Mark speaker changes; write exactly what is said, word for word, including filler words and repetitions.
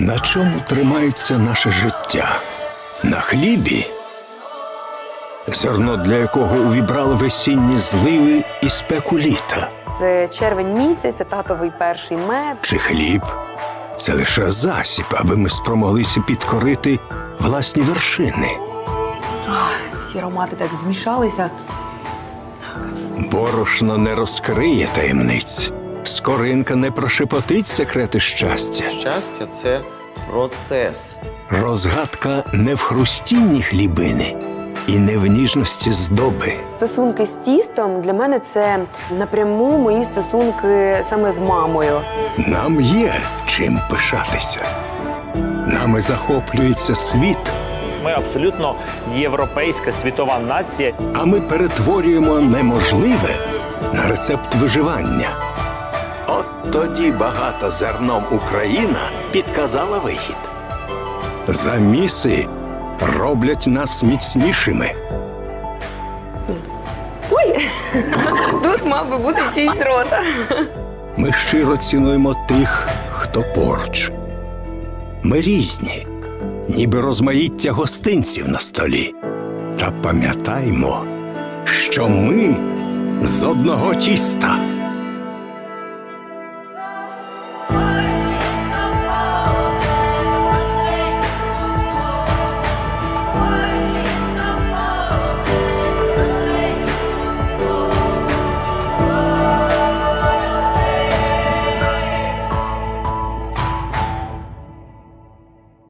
Speaker 1: На чому тримається наше життя? На хлібі? Зерно, для якого увібрали весінні зливи і спеку літа.
Speaker 2: Це червень місяць, це татовий перший мед.
Speaker 1: Чи хліб? Це лише засіб, аби ми спромоглися підкорити власні вершини.
Speaker 2: Ах, всі аромати так змішалися.
Speaker 1: Борошно не розкриє таємниць. Скоринка не прошепотить секрети щастя.
Speaker 3: Щастя – це процес.
Speaker 1: Розгадка не в хрустінні хлібини і не в ніжності здоби.
Speaker 2: Стосунки з тістом для мене це напряму мої стосунки саме з мамою.
Speaker 1: Нам є чим пишатися. Нами захоплюється світ,
Speaker 4: Ми абсолютно європейська світова нація.
Speaker 1: а ми перетворюємо неможливе на рецепт виживання. От тоді багата зерном Україна підказала вихід. Заміси роблять нас міцнішими.
Speaker 2: Ой, тут мав би бути чийсь рота.
Speaker 1: Ми щиро цінуємо тих, хто поруч. Ми різні, ніби розмаїття гостинців на столі. Та пам'ятаймо, що ми з одного тіста.